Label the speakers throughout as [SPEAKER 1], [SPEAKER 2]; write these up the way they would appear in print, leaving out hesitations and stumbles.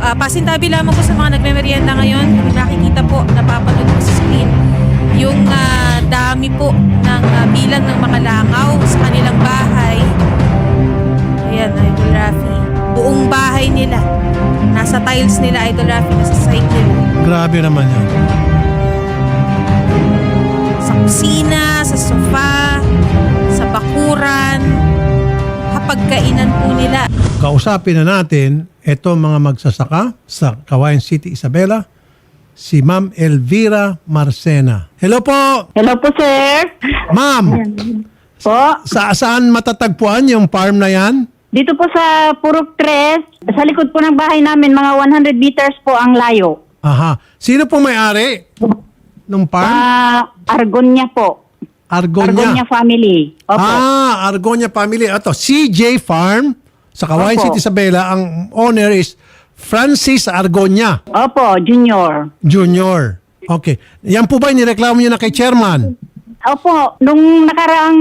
[SPEAKER 1] Pasintabi lamang po sa mga nagme-merienda ngayon. Kung nakikita po, napapanood po sa screen, yung dami po ng bilang ng mga langaw sa kanilang bahay. Ayan, Idol Rafi. Buong bahay nila. Nasa tiles nila, Idol Rafi, nasa site nila.
[SPEAKER 2] Grabe naman yan.
[SPEAKER 1] Sa kusina, sa sofa, sa bakuran, hapagkainan po nila.
[SPEAKER 2] Kausapin na natin ito mga magsasaka sa Cagayan City, Isabela, si Ma'am Elvira Marcena. Hello po!
[SPEAKER 3] Hello po, sir.
[SPEAKER 2] Ma'am,
[SPEAKER 3] Po,
[SPEAKER 2] saan matatagpuan yung farm na yan?
[SPEAKER 3] dito po sa Purok 3, sa likod po ng bahay namin, mga 100 meters po ang layo.
[SPEAKER 2] Aha. Sino po may-ari ng farm?
[SPEAKER 3] Argonia po. Argonia
[SPEAKER 2] Argonia.
[SPEAKER 3] family. Opo.
[SPEAKER 2] Argonia family. Ito, CJ Farm sa Cagayan
[SPEAKER 3] Opo.
[SPEAKER 2] City, Isabela. Ang owner is Francis Argonia
[SPEAKER 3] Opo, junior.
[SPEAKER 2] Jr. Okay. Yan po ba nireklamo niyo na kay chairman?
[SPEAKER 3] Opo, nung nakaraang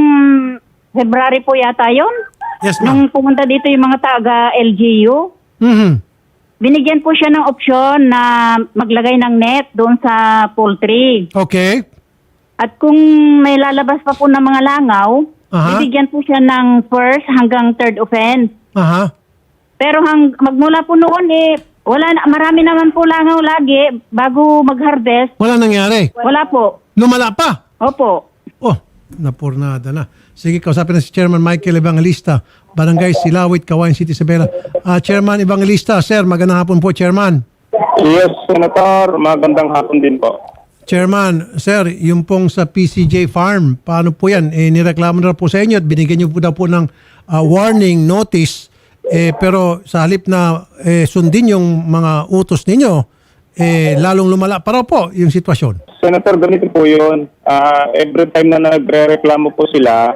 [SPEAKER 3] February po yata yun,
[SPEAKER 2] Yes,
[SPEAKER 3] nung
[SPEAKER 2] ma'am.
[SPEAKER 3] pumunta dito yung mga taga LGU,
[SPEAKER 2] Mhm.
[SPEAKER 3] binigyan po siya ng opsyon na maglagay ng net doon sa poultry.
[SPEAKER 2] Okay.
[SPEAKER 3] At kung may lalabas pa po ng mga langaw,
[SPEAKER 2] Aha.
[SPEAKER 3] bibigyan po siya ng first hanggang third offense.
[SPEAKER 2] Aha.
[SPEAKER 3] Pero magmula po noon marami naman po langaw lagi bago mag-harvest.
[SPEAKER 2] Wala nangyari.
[SPEAKER 3] Wala po.
[SPEAKER 2] Lumala pa.
[SPEAKER 3] Opo.
[SPEAKER 2] Oh, napurnada na. Sige, kausapin na si Chairman Michael Evangelista, Barangay Silawit, Cagayan City, Isabela. Chairman Evangelista, sir, magandang hapon po, Chairman.
[SPEAKER 4] Yes, Senator. Magandang hapon din po.
[SPEAKER 2] Chairman, sir, yung pong sa PCJ Farm, paano po yan? Nireklamo na po sa inyo at binigyan niyo po daw po ng warning notice. Pero sa halip na sundin yung mga utos ninyo, lalong lumala pa raw po yung sitwasyon.
[SPEAKER 4] Senator, ganito po yun. Every time na nagre-reklamo po sila,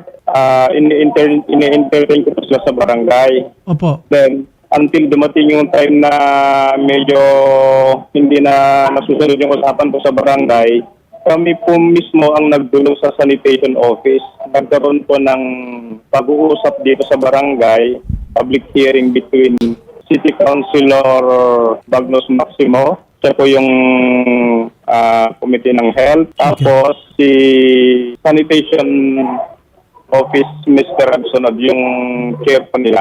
[SPEAKER 4] ini-entertain ko po sila sa barangay.
[SPEAKER 2] Opo.
[SPEAKER 4] Then, until dumating yung time na medyo hindi na nasusunod yung usapan po sa barangay, kami po mismo ang nagdulong sa sanitation office. Nagkaroon po ng pag-uusap dito sa barangay, public hearing between City Councilor Bagnos Maximo, siya po yung Committee ng Health, tapos si Sanitation Office, Mr. Absonod, yung chair po nila.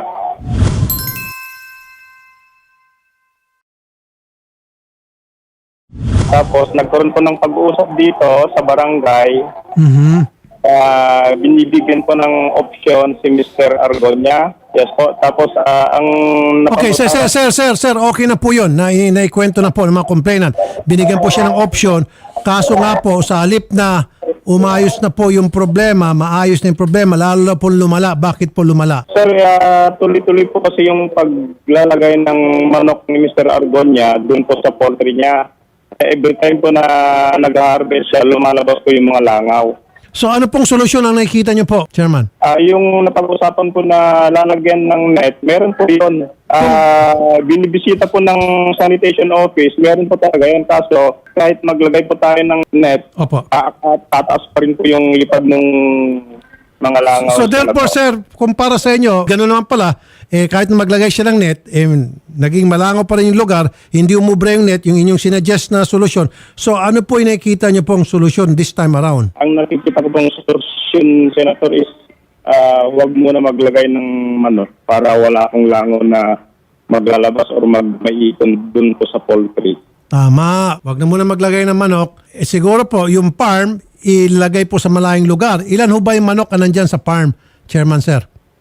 [SPEAKER 4] Tapos nagkaroon po ng pag-uusap dito sa barangay.
[SPEAKER 2] Mhm.
[SPEAKER 4] Binibigyan po ng option si Mr. Argonia. Yes po. Tapos ang
[SPEAKER 2] Okay, sir, okay na po yun. Naikwento na po ng mga complainant. Binigyan po siya ng option. Kaso nga po, sa halip na umayos na po yung problema, maayos na yung problema, lalo na po lumala. Bakit po lumala?
[SPEAKER 4] Sir, tuloy-tuloy po kasi yung paglalagay ng manok ni Mr. Argonia doon po sa poultry niya. Every time po na nag-harvest siya, lumalabas po yung mga langaw.
[SPEAKER 2] So ano pong solusyon ang nakikita niyo po, Chairman?
[SPEAKER 4] Yung napag-usapan po na lalagyan ng net, meron po yun. Binibisita po ng sanitation office, meron po talaga yun. Kaso kahit maglagay po tayo ng net,
[SPEAKER 2] Opo.
[SPEAKER 4] tataas pa rin po yung lipad ng mga langaw.
[SPEAKER 2] So therefore, sir, kumpara sa inyo, gano'n naman pala, kahit na maglagay siya ng net, naging malangaw pa rin yung lugar, hindi umubra yung net, yung inyong sinuggest na solusyon. So ano po yung nakikita niyo pong solusyon this time around?
[SPEAKER 4] Ang nakikita ko pong solusyon, Senator, is wag muna maglagay ng manok para wala akong langaw na maglalabas or maiikon dun po sa poultry.
[SPEAKER 2] Tama. Wag na muna maglagay ng manok. Siguro po, yung farm, ilagay po sa malayong lugar. Ilan ho ba yung manok na nandyan sa farm, Chairman, sir?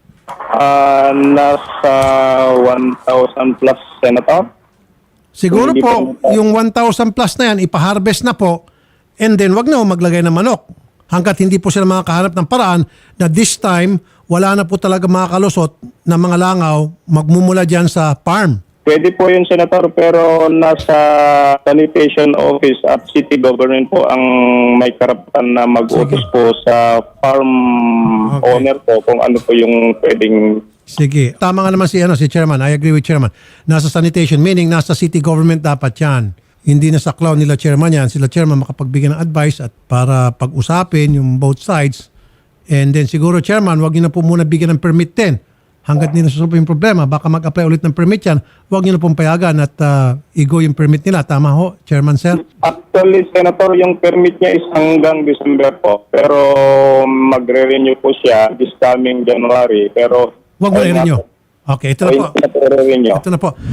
[SPEAKER 4] Nasa 1,000 plus, Senator.
[SPEAKER 2] Siguro
[SPEAKER 4] Hindi
[SPEAKER 2] po,
[SPEAKER 4] pa-
[SPEAKER 2] yung 1,000 plus na yan, ipaharvest na po, and then wag na ho maglagay ng manok. Hanggat hindi po sila makakahanap ng paraan na this time, wala na po talaga makakalusot na mga langaw magmumula dyan sa farm.
[SPEAKER 4] Pwede po yun, Senator, pero nasa sanitation office at city government po ang may karapatan na mag-utos po sa farm
[SPEAKER 2] Okay.
[SPEAKER 4] owner po kung ano po yung pwedeng.
[SPEAKER 2] Sige. Tama nga naman si Chairman. I agree with Chairman. Nasa sanitation, meaning nasa city government dapat yan. Hindi na sa clown nila Chairman yan. Sila Chairman makapagbigay ng advice at para pag-usapin yung both sides. And then siguro Chairman, wag niyo na po muna bigyan ng permit din. hanggat hindi nasusolve yung problema, baka mag-apply ulit ng permit yan, huwag nyo na pong payagan at igo yung permit nila. Tama ho, Chairman Sir?
[SPEAKER 4] Actually, Senator, yung permit niya is hanggang December po. Pero magre-renew po siya this coming January. Pero
[SPEAKER 2] Huwag mo na nyo. Okay, ito na po. Ito na po.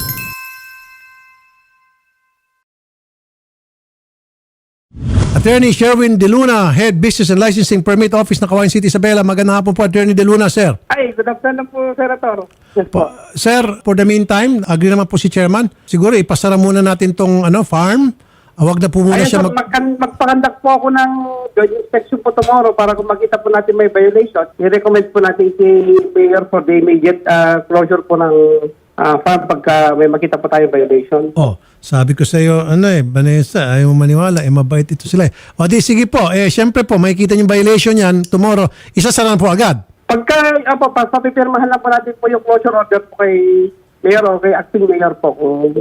[SPEAKER 2] Attorney Sherwin De Luna, Head Business and Licensing Permit Office ng Kawayan City, Isabela. Magandang hapon po, Attorney De Luna, sir.
[SPEAKER 5] Ay, good afternoon po, Senator. Yes po.
[SPEAKER 2] Sir, for the meantime, agree naman po si Chairman. Siguro ipasara muna natin tong farm. Huwag na po muna
[SPEAKER 5] Ayun
[SPEAKER 2] siya
[SPEAKER 5] po, magpakandak po ako ng joint inspection po tomorrow para kung makita po natin may violation, i-recommend po natin si Mayor for the immediate closure po ng farm pagka may makita po tayo violation.
[SPEAKER 2] Oh, sabi ko sa iyo, Vanessa, ayaw mo maniwala, mabait ito sila. O di, sige po. Siyempre po, makikita yung violation yan tomorrow. Isasara na po agad.
[SPEAKER 5] Pagka, papipirmahan lang po natin po yung closure order po kay Mayor o kay acting Mayor po.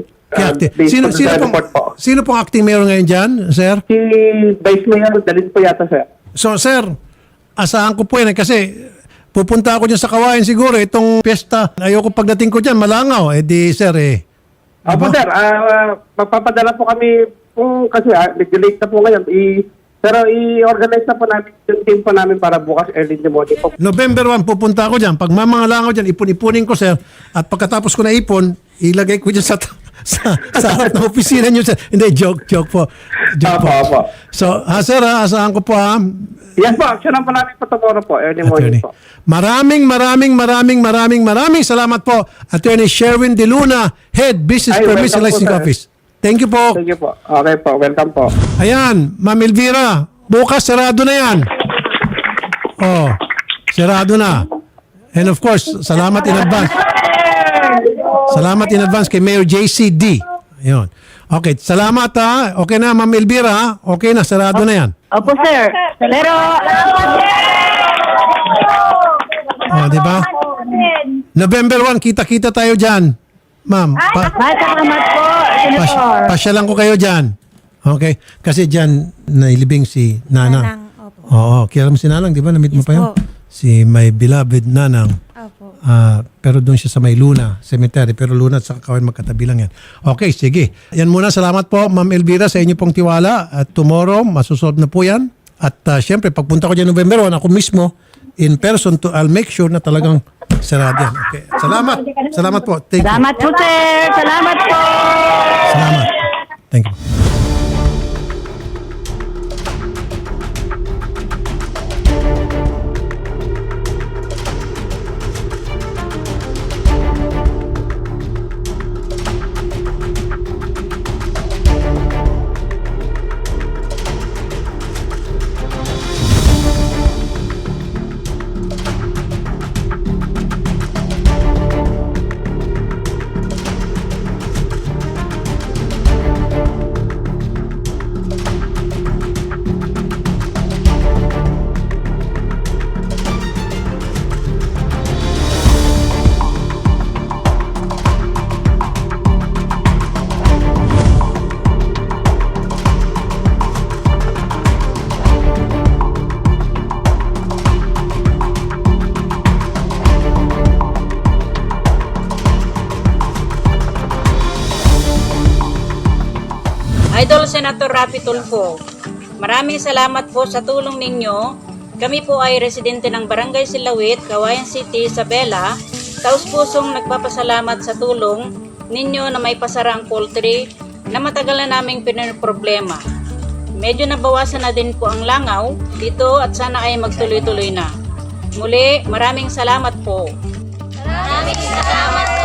[SPEAKER 2] Sino pong acting mayor ngayon dyan, sir?
[SPEAKER 5] Si Vice Mayor, dalhin po yata, sir.
[SPEAKER 2] So, sir, asahan ko po yan kasi pupunta ako dyan sa Kawayan siguro. Itong piyesta, ayoko pagdating ko dyan, malangaw. Sir,
[SPEAKER 5] Opo, sir. Magpapadala po kami kung kasi medyo late na po ngayon. Pero i-organize na po namin yung team po namin para bukas early in the morning po.
[SPEAKER 2] November 1, pupunta ako dyan. Pag mamangalangaw dyan, ipon-ipunin ko, sir. At pagkatapos ko na ipon, ilagay ko dyan sa harap ng opisina nyo, sir. Hindi, joke po. Joke po.
[SPEAKER 5] Opo.
[SPEAKER 2] So, sir, asahan ko po,
[SPEAKER 5] Yes po, action po namin po tomorrow po, early morning
[SPEAKER 2] Attorney.
[SPEAKER 5] po.
[SPEAKER 2] Maraming salamat po, Attorney Sherwin De Luna, Head Business
[SPEAKER 5] Ay,
[SPEAKER 2] Permits and
[SPEAKER 5] welcome po,
[SPEAKER 2] Licensing
[SPEAKER 5] sir.
[SPEAKER 2] Office. Thank you po.
[SPEAKER 5] Thank you po. Okay po, welcome po.
[SPEAKER 2] Ayan, Ma'am Elvira, bukas sarado na yan. Oh, sarado na. And of course, salamat in advance. Salamat in advance kay Mayor JCD. Ayun. Okay, salamat ha. Okay na, Ma'am Elvira ha. Okay na, sarado na yan.
[SPEAKER 3] Opo, sir. Pero,
[SPEAKER 2] Oh, di ba? November 1, kita-kita tayo dyan. Ma'am,
[SPEAKER 3] salamat po, Senator.
[SPEAKER 2] pasyalan ko kayo dyan. Okay? Kasi dyan, nailibing si Nanang.
[SPEAKER 1] Nanang, opo.
[SPEAKER 2] Oo, kilala mo si Nanang, di ba? Namit mo
[SPEAKER 1] Yes
[SPEAKER 2] pa yun?
[SPEAKER 1] po.
[SPEAKER 2] Si my beloved Nanang.
[SPEAKER 1] Opo.
[SPEAKER 2] Pero doon siya sa may Luna Cemetery. Pero Luna at sa Kawayan magkatabi lang yan. Okay, sige. Yan muna. Salamat po, Ma'am Elvira, sa inyo pong tiwala. At tomorrow, masusolve na po yan. At syempre, pagpunta ko dyan November 1, ako mismo, in person, I'll make sure na talagang sarado yan. Okay. Salamat. Salamat po. Thank you.
[SPEAKER 3] Salamat po, sir. Salamat po.
[SPEAKER 2] Salamat. Thank you.
[SPEAKER 6] Idol Senator Rapi Tulfo, maraming salamat po sa tulong ninyo. Kami po ay residente ng Barangay Silawit, Kawayan City, Isabela. Taus-pusong nagpapasalamat sa tulong ninyo na may pasara ang poultry na matagal na naming pinoproblema. Medyo nabawasan na din po ang langaw dito at sana ay magtuloy-tuloy na. Muli, maraming salamat po.
[SPEAKER 7] Maraming salamat